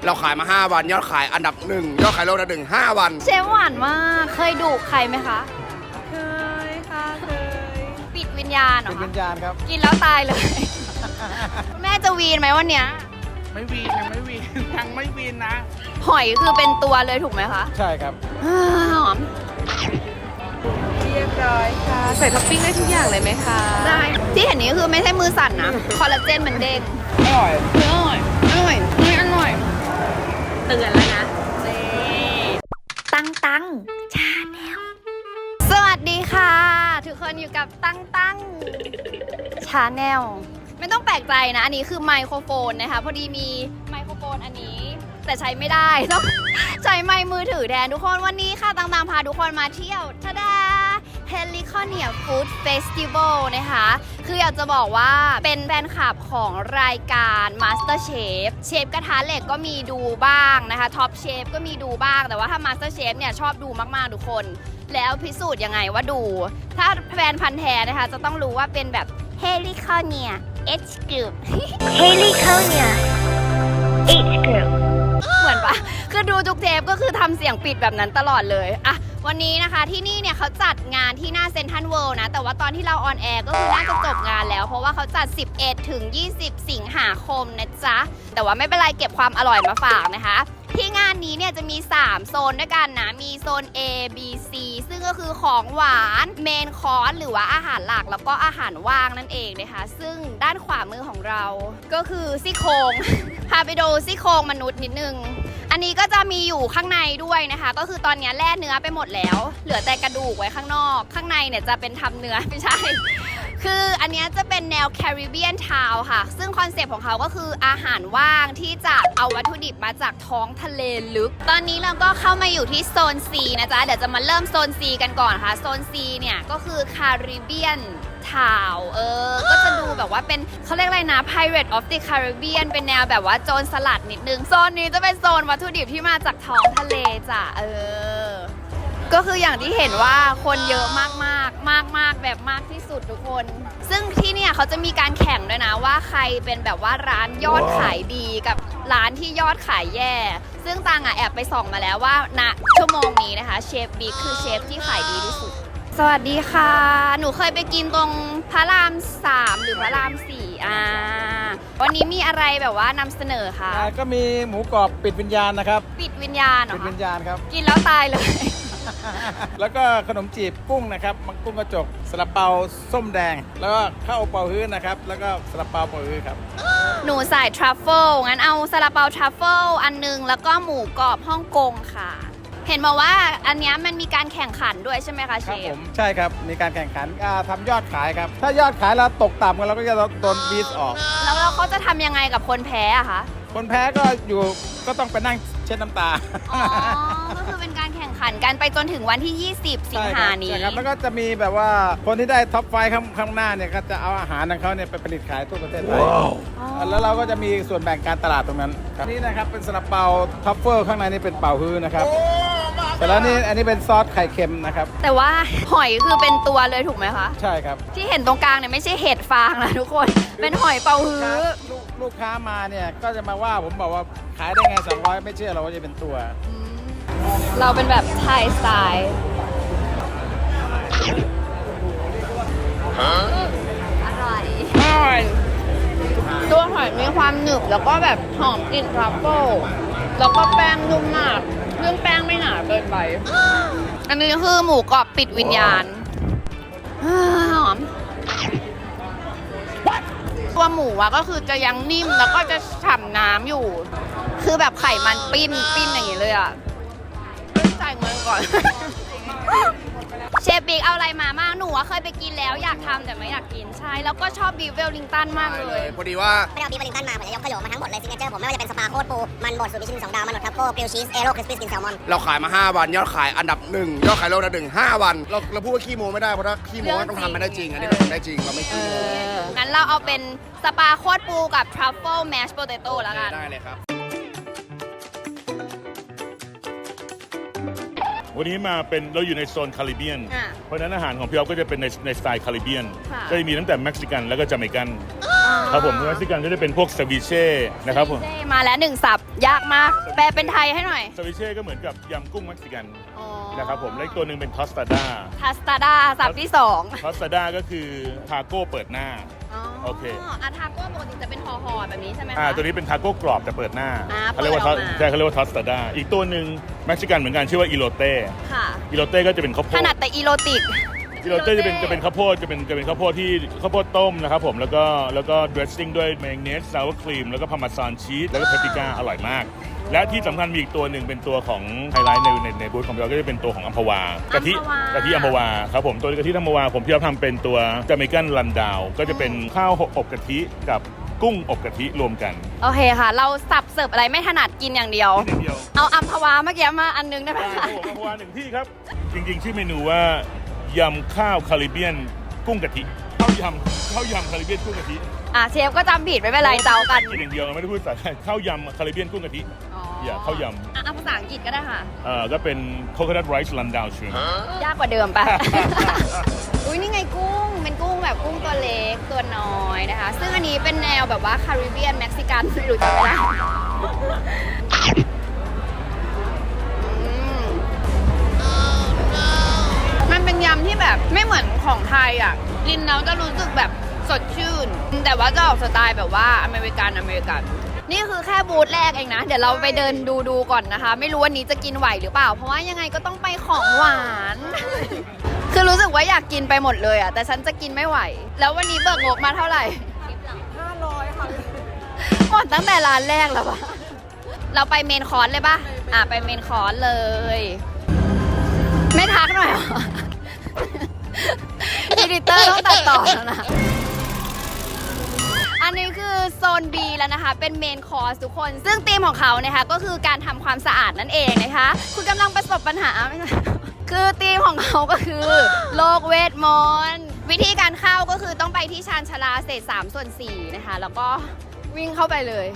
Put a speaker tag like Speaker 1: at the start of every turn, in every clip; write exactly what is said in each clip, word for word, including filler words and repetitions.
Speaker 1: เราขายมาห้าวันยอดขายอันดับหนึ่งยอดขายโลกอันดับหนึ่งห้าวัน
Speaker 2: เชฟหวานมากเคยดุใครไหมคะ
Speaker 3: เคยค่ะเคย
Speaker 2: ปิดวิญญาณเหรอ
Speaker 4: ปิดวิญญาณครับ
Speaker 2: กินแล้วตายเลย แม่จะวีนไหมวันเนี้ย
Speaker 3: ไม่วีนยังไม่วีนยังไม่วีนนะ
Speaker 2: หอยคือเป็นตัวเลยถูกไหมคะ
Speaker 4: ใช่ครับ
Speaker 2: หอม
Speaker 3: เรียบร้อยค่ะใส่ท็อปปิ้งได้ทุกอย่างเลยไหมคะ
Speaker 2: ได้ที่เห็นนี้คือไม่ใช่มือสั่นนะคอลลาเจนมันเด้ง
Speaker 4: อร่อย
Speaker 2: อร่อยอร่อยอร่อยเตือนแล้วนะตั้งตั้งชาแนลสวัสดีค่ะทุกคนอยู่กับตั้งตั้งชาแนลไม่ต้องแปลกใจนะอันนี้คือไมโครโฟนนะคะพอดีมีไมโครโฟนอันนี้แต่ใช้ไม่ได้ต้องใช้ไมค์มือถือแทนทุกคนวันนี้ค่ะตั้งตั้งพาทุกคนมาเที่ยวทะดาเฮลิคอเนียฟู้ดเฟสติวัลนะคะคืออยากจะบอกว่าเป็นแฟนคลับของรายการ Master Chef เชฟกระทะเหล็กก็มีดูบ้างนะคะท็อปเชฟก็มีดูบ้างแต่ว่าถ้า Master Chef เนี่ยชอบดูมากๆทุกคนแล้วพิสูจน์ยังไงว่าดูถ้าแฟนพันธ์แท้นะคะจะต้องรู้ว่าเป็นแบบเฮลิคอเนีย H Group
Speaker 5: เฮลิคอเนีย H Group
Speaker 2: เหมือนปะคือดูทุกเทปก็คือทำเสียงปิดแบบนั้นตลอดเลยอะวันนี้นะคะที่นี่เนี่ยเขาจัดงานที่หน้าเซ็นทรัลเวิลด์นะแต่ว่าตอนที่เราออนแอร์ก็คือน่าจะจบงานแล้วเพราะว่าเขาจัดสิบเอ็ดถึงยี่สิบสิงหาคมนะจ๊ะแต่ว่าไม่เป็นไรเก็บความอร่อยมาฝากนะคะที่งานนี้เนี่ยจะมีสามโซนด้วยกันนะมีโซน A B C ซึ่งก็คือของหวานเมนคอร์สหรือว่าอาหารหลักแล้วก็อาหารว่างนั่นเองนะคะซึ่งด้านขวามือของเราก็คือซี่โครง พาไปดูซี่โครงมนุษย์นิดนึงอันนี้ก็จะมีอยู่ข้างในด้วยนะคะก็คือตอนนี้แล่เนื้อไปหมดแล้วเหลือแต่กระดูกไว้ข้างนอกข้างในเนี่ยจะเป็นทำเนื้อไม่ใช่คืออันนี้จะเป็นแนวแคริบเบียนทาวน์ค่ะซึ่งคอนเซปต์ของเขาก็คืออาหารว่างที่จะเอาวัตถุดิบมาจากท้องทะเลลึกตอนนี้เราก็เข้ามาอยู่ที่โซน C นะจ๊ะเดี๋ยวจะมาเริ่มโซน C กันก่อนค่ะโซน C เนี่ยก็คือแคริบเบียนทาวน์เออก็จะดูแบบว่าเป็นเขาเรียกอะไรนะ Pirate of the Caribbean เป็นแนวแบบว่าโจรสลัดนิดนึงโซนนี้จะเป็นโซนวัตถุดิบที่มาจากท้องทะเลจ้ะเออก็คืออย่างที่เห็นว่าคนเยอะมากมากมากมากแบบมากที่สุดทุกคนซึ่งที่เนี่ยเขาจะมีการแข่งด้วยนะว่าใครเป็นแบบว่าร้านยอดขายดีกับร้านที่ยอดขายแย่ซึ่งตังอ่ะแอบไปส่องมาแล้วว่าณชั่วโมงนี้นะคะเชฟบิ๊กคือเชฟที่ขายดีที่สุดสวัสดีค่ะหนูเคยไปกินตรงพระรามสามหรือพระรามสี่อ่าวันนี้มีอะไรแบบว่านำเสนอคะ
Speaker 4: ก็มีหมูกรอบปิดวิญญาณนะครับ
Speaker 2: ปิดวิญญาณเหรอ
Speaker 4: ปิดวิญญาณครับ
Speaker 2: กินแล้วตายเลย
Speaker 4: แล้วก็ขนมจีบกุ้งนะครับมังกุ้งกระจกซาลาเปาส้มแดงแล้วก็ข้าวเปาฮื้อนะครับแล้วก็ซาลาเปาเปาฮื้อครับ
Speaker 2: หนูใส่ทรัฟเฟิลงั้นเอาซาลาเปาทรัฟเฟิลอันนึงแล้วก็หมูกรอบฮ่องกงค่ะเห็นมาว่าอันนี้มันมีการแข่งขันด้วยใช่ไหมคะเชฟ
Speaker 4: ครับผมใช่ครับมีการแข่งขันทำยอดขายครับถ้ายอดขายเราตกต่ำกันเราก็จะโดนบีทออก
Speaker 2: แล้วเราเขาจะทำยังไงกับคนแพ้อะคะ
Speaker 4: คนแพ้ก็อยู่ก็ต้องไปนั่งเช็ดน้ำตา
Speaker 2: อ๋อก็คือเป็นการแข่งขันกันไปจนถึงวันที่ยี่สิบสิงหานี้
Speaker 4: ใช่ครับแล้วก็จะมีแบบว่าคนที่ได้ท็อปไฟว์ข้างหน้าเนี่ยก็จะเอาอาหารของเขาเนี่ยไปผลิตขายทั่วประเทศไทยแล้วเราก็จะมีส่วนแบ่งการตลาดตรงนั้นครับนี่นะครับเป็นซาลาเปาท็อปเฟอร์ข้างในนี่เป็นเป่าฮื้อนะครับแต่แล้วนี่อันนี้เป็นซอสไข่เค็มนะครับ
Speaker 2: แต่ว่าหอยคือเป็นตัวเลยถูกไหมคะ
Speaker 4: ใช่ครับ
Speaker 2: ที่เห็นตรงกลางเนี่ยไม่ใช่เห็ดฟางนะทุกคนเป็นหอยเป่าฮื้อ
Speaker 4: ลูกค้ามาเนี่ยก็จะมาว่าผมบอกว่าขายได้ไงสองร้อยไม่เชื่อเราว่าจะเป็นตัว
Speaker 2: เราเป็นแบบไทยสไตล์อร่อยอร่อยตัวหอยมีความหนึบแล้วก็แบบหอมกลิ่นทรัฟเฟิลแล้วก็แป้งนุ่มมากเครื่องแป้งไม่หนาเกินไปอันนี้คือหมูกรอบปิดวิญญาณหอมตัวหมูอะก็คือจะยังนิ่มแล้วก็จะฉ่ำน้ำอยู่คือแบบไขมันปิ้นปิ้นอย่างนี้เลยอะจ่ายเงินก่อน เชฟบิ๊กเอาอะไรมาบ้างหนูเคยไปกินแล้วอยากทำแต่ไม่อยากกินใช่แล้วก็ชอบบีฟเวลลิงตันมากเลย
Speaker 1: พอดีว่า
Speaker 5: ไม่เอาบีฟเวลลิงตันมาผมจะยกขยโยมาทั้งหมดเลยซิกเนเจอร์ผมไม่ว่าจะเป็นสปาโคตรปูมันบดสูตรมิชลินสองดาวมันบดทัฟเฟิลกริลชีสเอโร่คริสปี้สกินแซลมอน
Speaker 1: เราขายมาห้าวันยอดขายอันดับหนึ่งยอดขายโลกอันดับหนึ่งห้าวันเราเราพูดว่าขี้โม้ไม่ได้เพราะถ้าขี้โม้ต้องทำไม่ได้จริงอันนี้เราทำได้จริงเราไม่ขี้โม้
Speaker 2: งั้นเราเอาเป็นสปาโคตรปูกับทรัฟเฟิลแมชโพเตโต้แล้วกัน
Speaker 1: ได้เลยครับ
Speaker 6: วันนี้มาเป็นเราอยู่ในโซนคาริเบียนเพราะนั้นอาหารของพี่อ๊อฟก็จะเป็นในในสไตล์คาริเบียนก็จะมีตั้งแต่เม็กซิกันแล้วก็จาเมกันครับผมเม็กซิกันก็จะเป็นพวกซาบิเช่นะครับผม
Speaker 2: เซ่มาแล้วหนึ่งสับยากมาก แปลเป็นไทยให้หน่อย
Speaker 6: ซาบิเช่ก็เหมือนกับยำกุ้งเม็กซิกัน
Speaker 2: อ๋อ
Speaker 6: นะครับผมและอีกตัวหนึ่งเป็นทอสตาด้า
Speaker 2: ทัสตาดาสับที่สอง
Speaker 6: ทอสตาด้าก็คือทาโก้เปิดหน้า โอเค
Speaker 2: อาทาโก้ปกติจะเป็นห่อๆแบบนี้ใช่ไหมคะ
Speaker 6: อ่าตัวนี้เป็นทาโก้กรอบแต่เปิดหน้า
Speaker 2: อ่า
Speaker 6: เขาเรียกว่า
Speaker 2: เปิดออกมา
Speaker 6: ใช่เขาเรียกว่าทอสตาด้าอีกตัวหนึ่งเม็กซิกันเหมือนกันชื่อว่าอีโรเต้
Speaker 2: ค่ะ
Speaker 6: อีโรเต้ก็จะเป็นข้าวโพ
Speaker 2: ถ
Speaker 6: ด
Speaker 2: นัดแต่อีโรติก
Speaker 6: อีโรเต้จะเป็นจะเป็นข้าวโพดจะเป็นจะเป็นข้าวโพดที่ข้าวโพดต้มนะครับผมแล้วก็แล้วก็ดรสซิ่งด้วยเมยองเนสซาวครีมแล้วก็พาร์เมซานชีสแล้วก็เปปริก้าอร่อยมาก และที่สำคัญมีอีกตัวหนึ่งเป็นตัวของไฮไลท์ในในในบูธของเราก็จะเป็นตัวของอัมพวากะทิ
Speaker 2: อัมพวาก
Speaker 6: ะทิอัมพวาครับผมตัวกะทิอัมพวาผมที่เราทำเป็นตัวจาเมกันรันดาวก็จะเป็นข้าวอบกะทิกับกุ้งอบกะทิรวมกัน
Speaker 2: โอเคค่ะ เราสับเสิร์ฟอะไรไม่ถนัดกินอย่างเดียว
Speaker 6: ที่เดียว
Speaker 2: เอาอัมพวาเมื่อกี้มาอันนึงได้ไหม
Speaker 6: ครั
Speaker 2: คะ
Speaker 6: บผมอัมพวาหนึ่งที่ครับ จริงๆชื่อเมนูว่ายำข้าวคาริเบียนกุ้งกะทิข้าวยำข้าวยำคาริเบียนกุ้งกะทิ
Speaker 2: อ่ะเชฟก็จำผิดไม่เป็นไรเจ้ากัน
Speaker 6: กินอย่างเดียวไม่ได้พูดภาษาไทยข้าวยำคาริเบียนกุ้งกะทิ อย่าข้าวยำ
Speaker 2: อ่ะเอาภาษาอังกฤษก็ได้ค่ะ
Speaker 6: เอ่อก็เป็นโคโคนัทไรซ์ลันดาวชู
Speaker 2: ยากกว่าเดิมปะ อุ้ยนี่ไงกุ้ง เป็นกุ้งแบบกุ้งตัวเล็กตัวน้อยนะคะ ซึ่งอันนี้เป็นแนวแบบว่าคาริเบียนเม็กซิกันไม่รู้จะไม่ได้อืมมันเป็นยำที่แบบไม่เหมือนของไทยอ่ะกินแล้วจะรู้สึกแบบสดชื่น แต่ว่าจะออกสไตล์แบบว่าอเมริกันอเมริกัน นี่คือแค่บูธแรกเองนะ เดี๋ยวเราไปเดินดูดูก่อนนะคะ ไม่รู้วันนี้จะกินไหวหรือเปล่า เพราะว่ายังไงก็ต้องไปของหวาน คือรู้สึกว่าอยากกินไปหมดเลยอ่ะ แต่ฉันจะกินไม่ไหว แล้ววันนี้เบิกงบมาเท่าไหร่
Speaker 3: ห้าร้อยค่ะ
Speaker 2: หมดตั้งแต่ร้านแรกแล้วปะเราไปเมนคอร์สเลยปะอ่ะไปเมนคอร์สเลย ไม่ทักหน่อยเหรอ อีดิเตอร์ต้องตัดต่อแล้วนะ อันนี้คือโซน B แล้วนะคะ เป็นเมนคอร์สทุกคน ซึ่งธีมของเขานะคะก็คือการทำความสะอาดนั่นเองนะคะ คุณกำลังประสบปัญหาไม่ใช่ คือธีมของเขาก็คือโลกเวทมนต์วิธีการเข้าก็คือต้องไปที่ชานชาลาเศษสามส่วนสี่นะคะ แล้วก็วิ่งเข้าไปเลย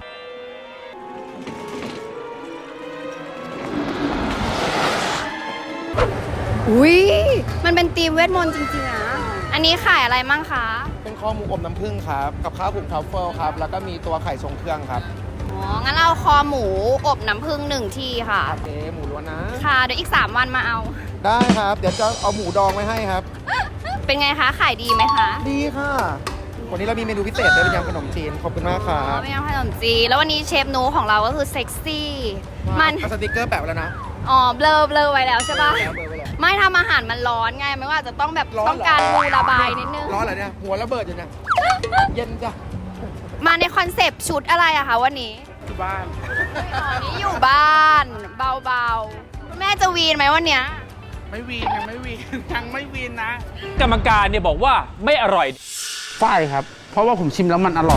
Speaker 2: อุ้ยมันเป็นธีมเวทมนต์จริงๆนะ อันนี้ขายอะไรมั่งคะ
Speaker 7: เป็นข้อหมูอบน้ำผึ้งครับ กับข้าวผุกทรัฟเฟิลครับ แล้วก็มีตัวไข่ทรงเครื่องครับ
Speaker 2: อ๋อ งั้นเราคอหมูอบน้ำผึ้งหนึ่งที่ค่ะ
Speaker 7: โอเค หมูล้วนนะ
Speaker 2: ค่ะ เดี๋ยวอีก สาม วันมาเอา
Speaker 7: ได้ครับ เดี๋ยวจะเอาหมูดองไว้ให้ครับ
Speaker 2: เป็นไงคะ ขายดีไหมคะ
Speaker 7: ดีค่ะ วันนี้เรามีเมนูพิเศษด้วยเป็นยำขนมจีน ขอบคุณมากครั
Speaker 2: อ๋อบ เป็นยำขนมจีนแล้ววันนี้เชฟนูของเราก็คือเซ็กซี่ มัน
Speaker 7: เอาสติกเกอร์แปะไว้แล้วนะ
Speaker 2: อ๋อ เบลอเบลอไว้แล้วใช่ปะ
Speaker 7: แล้วเบอร์ไว้แล้ว
Speaker 2: ไม่ทำอาหารมันร้อนไง ไม่ว่าจะต้องแบบ
Speaker 7: ร้อนเหรอ
Speaker 2: ต้องการมูระบายนิดนึง
Speaker 7: ร้อนเหรอเนี่ย หัวระเบิดอยู่เนี่ย เย็นจ้ะ
Speaker 2: มาในคอนเซปต์ชุดอะไรอะคะวันนี้
Speaker 4: ที่บ้าน
Speaker 2: อ๋อนี่อยู่บ้าน เบาๆ แม่จะวีนไหมวันเนี้ย
Speaker 4: ไม่วีนยังไม่วีน ยังไม่วีนนะ
Speaker 8: กรรมการเนี่ยบอกว่าไม่อร่อย
Speaker 9: ฝ้ายครับ เพราะว่าผมชิมแล้วมันอร่อย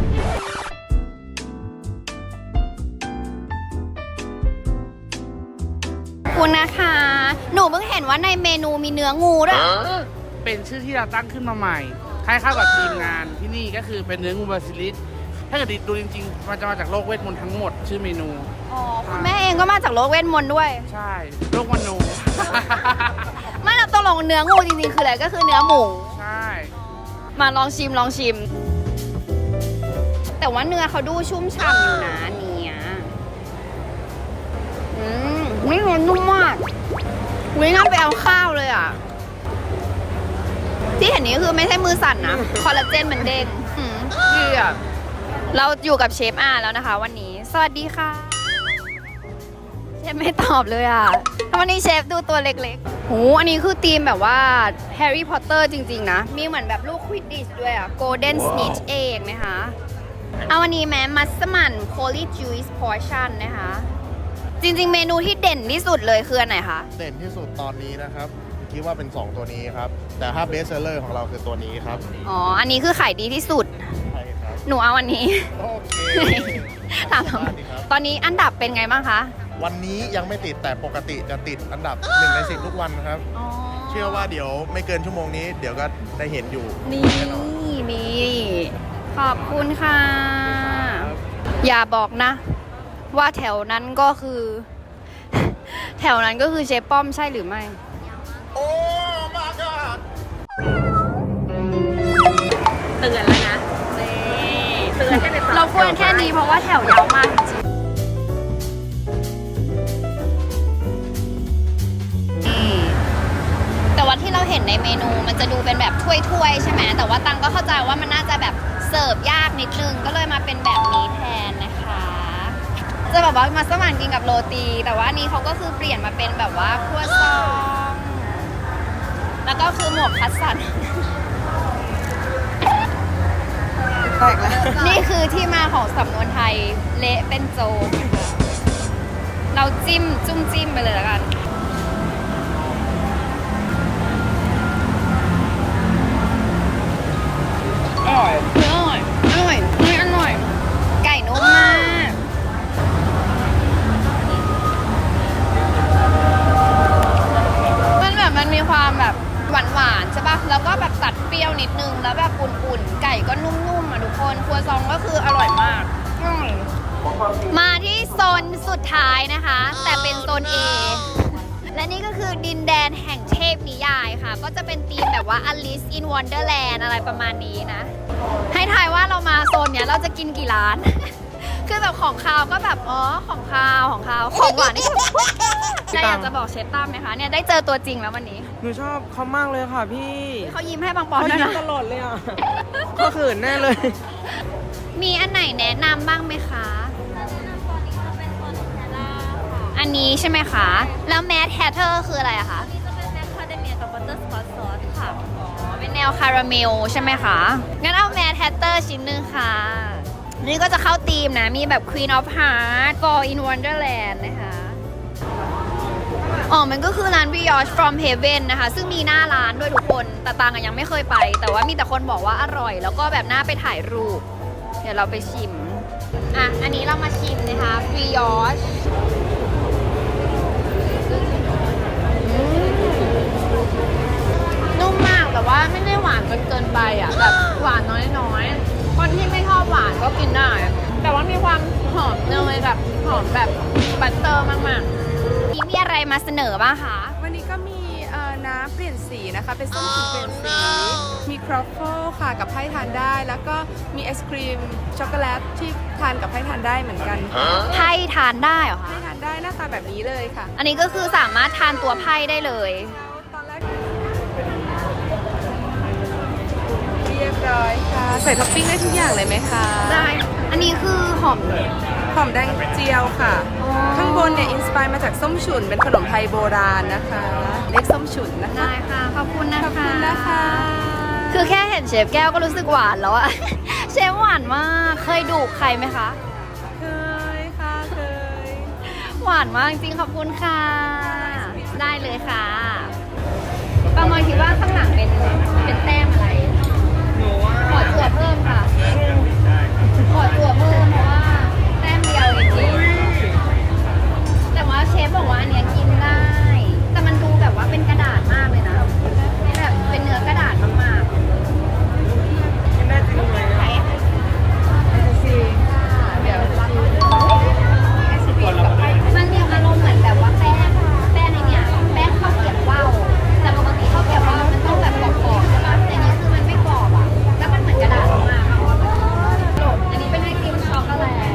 Speaker 2: คุณนะคะ หนูเพิ่งเห็นว่าในเมนูมีเนื้องูด้วย
Speaker 9: เป็นชื่อที่เราตั้งขึ้นมาใหม่ให้เข้ากับทีมงานที่นี่ก็คือเป็นเนื้องูบาซิลิส ถ้าเกิดดูจริงๆ มันจะมาจากโลกเวทมนต์ทั้งหมดชื่อเมนู
Speaker 2: อ๋อ คุณแม่เองก็มาจากโลกเวทมนต์ด้วย
Speaker 9: ใช่ โลกมโน
Speaker 2: ไม่เราตกลงเนื้องูจริงๆ คืออะไรก็คือเนื้อหมู
Speaker 9: ใช่
Speaker 2: มาลองชิมลองชิม แต่ว่าเนื้อเขาดูชุ่มฉ่ำอยู่นะเนี่ยอืมนี่มันนุ่มมากวิ่งน่าไปเอาข้าวเลยอ่ะ ที่เห็นนี้คือไม่ใช่มือสั่นนะ คอลลาเจนมันเด้งอืมดีอ่ะ เราอยู่กับเชฟอาแล้วนะคะ วันนี้ สวัสดีค่ะ เชฟไม่ตอบเลยอ่ะวันนี้เชฟดูตัวเล็กๆโหอันนี้คือธีมแบบว่าแฮร์รี่พอตเตอร์จริงๆนะ มีเหมือนแบบลูกควิดดิชด้วยอ่ะ Golden Snitch เองนะคะ เอาวันนี้แม้มัสมั่น Holy Juice Portion นะคะ จริงๆ เมนูที่เด่นที่สุดเลยคืออันไหนคะ
Speaker 7: เด่นที่สุดตอนนี้นะครับ คิดว่าเป็น สอง ตัวนี้ครับ แต่ถ้าเบสเซอร์ของเราคือตัวนี้ครับ
Speaker 2: อ๋อ อันนี้คือขายดีที่สุด
Speaker 7: ใช่ครับ
Speaker 2: หนูเอาอันนี้
Speaker 7: โอเค
Speaker 2: ถาม
Speaker 7: ได้ดีครับ
Speaker 2: ตอนนี้อันดับเป็นไงบ้างคะ
Speaker 7: วันนี้ยังไม่ติดแต่ปกติจะติดอันดับหนึ่งในสิบทุกวันครับ
Speaker 2: อ๋อ
Speaker 7: เชื่อว่าเดี๋ยวไม่เกินชั่วโมงนี้ เดี๋ยวก็ได้เห็นอยู่
Speaker 2: นี่
Speaker 7: แน่นอน
Speaker 2: นี่ขอบคุณค่ะ อย่าบอกนะ ว่าแถวนั้นก็คือ แถวนั้นก็คือเชฟป้อมใช่หรือไม่
Speaker 7: โอ้ my god
Speaker 2: เตือนแล้วนะนี่เราควรแค่นี้เพราะว่าแถวยาวมากจริงนี่แต่ว่าที่เราเห็นในเมนูมันจะดูเป็นแบบถ้วยๆใช่ไหมแต่ว่าตังก็เข้าใจว่ามันน่าจะแบบเสิร์ฟยากนิดนึงก็เลยมาเป็นแบบนี้แทนนะคะจะแบบว่ามาสมานกินกับโรตีแต่ว่านี้เขาก็คือเปลี่ยนมาเป็นแบบว่าครัวซองแล้วก็คือหมวกคัสสัน
Speaker 3: แตกแล้ว
Speaker 2: นี่คือที่มาของสำนวนไทยเละเป็นโจรเราจิ้มจุ้มจิ้มไปเลยแล้วกันอร่อยอร่อยอร่อยนี่อร่อยไก่นุ่มมากมันแบบมันมีความแบบหวานๆใช่ปะแล้วก็แบบตัดเปรี้ยวนิดนึงแล้วแบบอุ่นๆไก่ก็นุ่มๆอ่ะทุกคนครัวซองก็คืออร่อยมากอร่อยมาที่โซนสุดท้ายนะคะ แต่เป็นโซน A และนี่ก็คือดินแดนแห่งเทพนิยายค่ะก็จะเป็นธีมแบบว่า Alice in Wonderland อะไรประมาณนี้นะให้ทายว่าเรามาโซนเนี้ยเราจะกินกี่ร้าน คือแบบของคาวก็แบบอ๋อของคาวของคาวของหวานนี่ได้อยากจะบอกเชฟตั้มไหมคะเนี่ยได้เจอตัวจริงแล้ววันนี้
Speaker 3: หนูชอบเขามากเลยค่ะพี่
Speaker 2: เขายิ้มให้บางปอน
Speaker 3: เขา
Speaker 2: ด้วย
Speaker 3: ยิ้ม
Speaker 2: นะ
Speaker 3: ตลอดเลยอ่ะเขาเขินแน่เลย
Speaker 2: มีอันไหนแนะนำบ้างไหมคะ อันนี้ใช่ไหมคะ แล้วแมทแฮทเทอร์คืออะไรอะคะเป็นแนวคาราเมลใช่ไหมคะ งั้นเอาแมทแฮทเตอร์ชิ้นหนึ่งค่ะ นี่ก็จะเข้าธีมนะ มีแบบ Queen of Hearts Fall in Wonderland นะคะ อ๋อ มันก็คือร้าน Brioche from Heaven นะคะ ซึ่งมีหน้าร้านด้วยทุกคน แต่ตังอะยังไม่เคยไป แต่ว่ามีแต่คนบอกว่าอร่อย แล้วก็แบบน่าไปถ่ายรูป เดี๋ยวเราไปชิม อ่ะ อันนี้เรามาชิมนะคะ Brioche นุ่มมากแต่ว่าไม่ได้หวานจนเกินไปอ่ะแบบหวานน้อยๆคนที่ไม่ชอบหวานก็กินได้แต่ว่ามีความหอมเนยแบบหอมแบบบัตเตอร์มากๆนี่มีอะไรมาเสนอบ้างคะ
Speaker 3: วันนี้ก็มีเอ่อน้ำเปลี่ยนสีนะคะ เป็นส้มฉุนเปลี่ยนสี มีครอฟเฟิลค่ะกับไพ่ทานได้ แล้วก็มีไอศครีมช็อกโกแลตที่ทานกับไพ่ทานได้เหมือนกัน
Speaker 2: ไพ่ทานได้เหรอ
Speaker 3: ไพ่
Speaker 2: คะ
Speaker 3: ทานได้หน้าตาแบบนี้เลยค่ะ
Speaker 2: อันนี้ก็คือสามารถทานตัวไพ่ได้เลย
Speaker 3: ตอนแรกเรียบร้อยค่ะ ใส่ท็อปปิ้งได้ทุกอย่างเลยไหมคะ
Speaker 2: ได้อันนี้คือหอม
Speaker 3: หอมแดงเจียวค่ะ
Speaker 2: อ๋อ
Speaker 3: ข้างบนเนี่ยอินสปายมาจากส้มฉุนเป็นขนมไทยโบราณนะคะเรียกส้มฉุนนะคะ
Speaker 2: ได้ค่ะขอบคุณนะคะ
Speaker 3: ขอบคุณนะคะ
Speaker 2: คือแค่เห็นเชฟแก้วก็รู้สึกหวานแล้วอะ เชฟหวานมากเคยดุใครไหมคะ
Speaker 3: เคยค่ะเคย
Speaker 2: หวานมากจริงขอบคุณค่ะ ได้เลยค่ะปามอยคิดว่าข้างหลังเป็นเป็นแต้มอะไรขอตัวเพิ่มค่ะขอตัวเพิ่มเพราะว่าแต้มเดียวจริงๆแต่ว่าเชฟบอกว่าอันเนี้ยกินได้ แต่มันดูแบบว่าเป็นกระดาษมากเลยนะแบบเป็นเนื้อกระดาษมากๆ
Speaker 3: กินได้จริงไหม
Speaker 2: ไหนสิเดี๋ยวมันมีอารมณ์เหมือนแบบว่าแป้งแป้งในเนี่ยแป้งข้าวเกรี๊ยวว่าวแต่ปกติข้าวเกรี๊ยวว่าวมันต้องแบบกรอบๆใช่ป่ะแต่อันนี้คือมันไม่กรอบอ่ะแล้วมันเหมือนกระดาษมากอันนี้เป็นไอติมช็อกโกแลต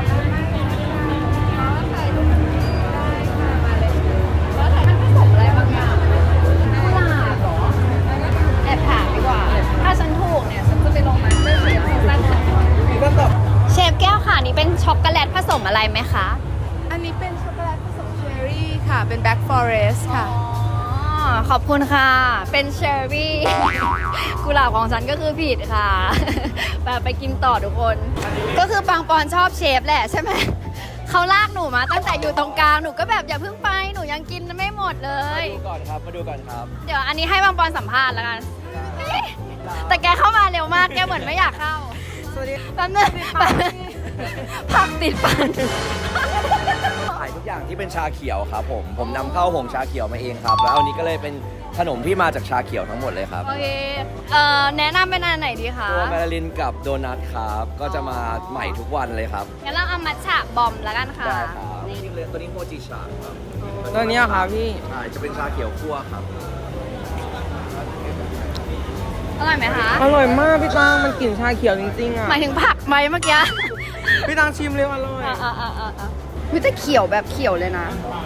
Speaker 2: มันผสมอะไรบางอย่างกุหลาบเหรอแอบถามดีกว่าถ้าฉันถูกเนี่ยฉันจะไปลงมาสเตอร์เชฟของสั้นเชฟแก้วค่ะนี่เป็นช็อกโกแลตผสมอะไรไหมคะ
Speaker 3: อันนี้เป็นช็อกโกแลตผสมเชอร์รี่ค่ะ เป็นแบล็กฟอเรสต์ค่ะ
Speaker 2: อ๋อขอบคุณค่ะ เป็นเชอร์รี่ กุหลาบของฉันก็คือผิดค่ะ ไปไปกินต่อทุกคน ก็คือปังปอนชอบเชฟแหละใช่ไหม เขาลากหนูมาตั้งแต่อยู่ตรงกลาง หนูก็แบบอย่าเพิ่งไป หนูยังกินไม่หมดเลย
Speaker 10: มาดูก่อนครับ มาดูก่อนครับ
Speaker 2: เดี๋ยวอันนี้ให้ปังปอนสัมภาษณ์แล้วกัน แต่แกเข้ามาเร็วมาก แกเหมือนไม่อยากเข้า
Speaker 3: สวัสดี
Speaker 2: แป๊บนึงแป๊บนึงผักติดฟัน
Speaker 10: ขายทุกอย่างที่เป็นชาเขียวครับผม ผมนำเข้าหงชาเขียวมาเองครับ แล้วอันนี้ก็เลยเป็นขนมที่มาจากชาเขียวทั้งหมดเลยครับ
Speaker 2: โอเค เอ่อ แนะนำเป็นอันไหนดีคะ
Speaker 10: ตัวแมลาลินกับโดนัทครับ ก็จะมาใหม่ทุกวันเลยครับ
Speaker 2: งั้นเราเอามัทฉะบอมแล้วกันค่ะ
Speaker 10: ได้ครับ
Speaker 2: นี่
Speaker 10: จริงๆเลยตัวนี้โฮจิชาครับ
Speaker 3: ตัวนี้ครับพี่
Speaker 10: ใช่จะเป็นชาเขียวคั่วครับ
Speaker 2: อร่อยไหมคะ
Speaker 11: อร่อยมากพี่ตังมันกลิ่นชาเขียวจริงๆอ่ะ
Speaker 2: หมายถึงผักไหมเมื่อกี้
Speaker 11: พี่ตังชิมเลยอร่อย
Speaker 2: อ่าอ่าอ่าอ่าวิจะเขียวแบบเขียวเลยนะ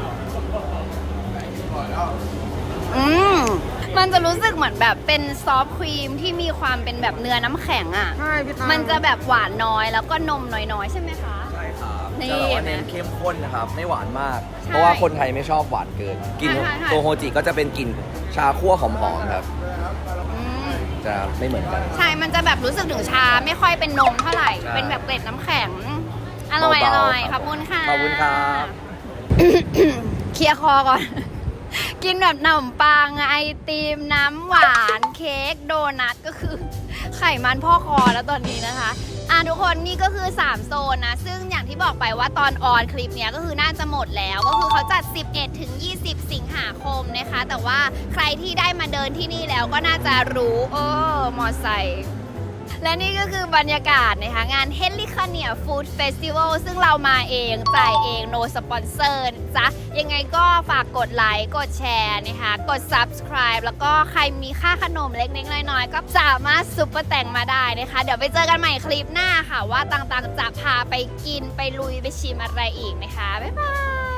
Speaker 2: อืมมันจะรู้สึกเหมือนแบบเป็นซอฟต์ครีมที่มีความเป็นแบบเนื้อน้ำแข็งอ่ะ
Speaker 11: ใช่พี่ตัง
Speaker 2: มันจะแบบหวานน้อยแล้วก็นมน้อยๆ ใช่ไหมคะ
Speaker 10: ใช่ครับ
Speaker 2: นี่
Speaker 10: จะแบบว่า
Speaker 2: เห็นไหม
Speaker 10: เน้นเข้มข้นนะครับ ไม่หวานมาก
Speaker 2: ใช่
Speaker 10: เพราะว่าคนไทยไม่ชอบหวานเกินกลิ่น
Speaker 2: ใช่ใช่ใช่
Speaker 10: ตัวโฮจิก็จะเป็นกลิ่นชาคั่วหอมๆครับ
Speaker 2: อืม
Speaker 10: จะไม่เหมือนกัน
Speaker 2: ใช่ มันจะแบบรู้สึกถึงชาไม่ค่อยเป็นนมเท่าไหร่
Speaker 10: ใช่
Speaker 2: เป็นแบบเกล็ดน้ำแข็ง อร่อยอ
Speaker 10: เบาๆ
Speaker 2: ร่อย
Speaker 10: ค
Speaker 2: ข
Speaker 10: รั
Speaker 2: อบบ คุณค่ะ
Speaker 10: ขอบคุณครับ
Speaker 2: เคลียร์คอก่อน กินแบบขนมปังไอติมน้ำหวานเค้กโดนัทก็คือไขมันพ่อคอแล้วตอนนี้นะคะอ่ะทุกคนนี่ก็คือสามโซนนะ ซึ่งอย่างที่บอกไปว่าตอนออนคลิปเนี้ยก็คือน่าจะหมดแล้ว ก็คือเขาจัด สิบเอ็ดถึงยี่สิบ สิงหาคมนะคะ แต่ว่าใครที่ได้มาเดินที่นี่แล้วก็น่าจะรู้เออมอไซค์และนี่ก็คือบรรยากาศนะคะงาน h e l i c a n i a Food Festival ซึ่งเรามาเองจ่ายเอง no sponsor นะจ๊ะยังไงก็ฝากกดไลค์กดแชร์นะคะกด subscribe แล้วก็ใครมีค่าขนมเล็กๆน้อยๆก็สามารถซุปเปอร์แต่งมาได้นะคะ เดี๋ยวไปเจอกันใหม่คลิปหน้าค่ะว่าต่างๆจะพาไปกินไปลุยไปชิมอะไรอีกนะคะ บ๊ายบาย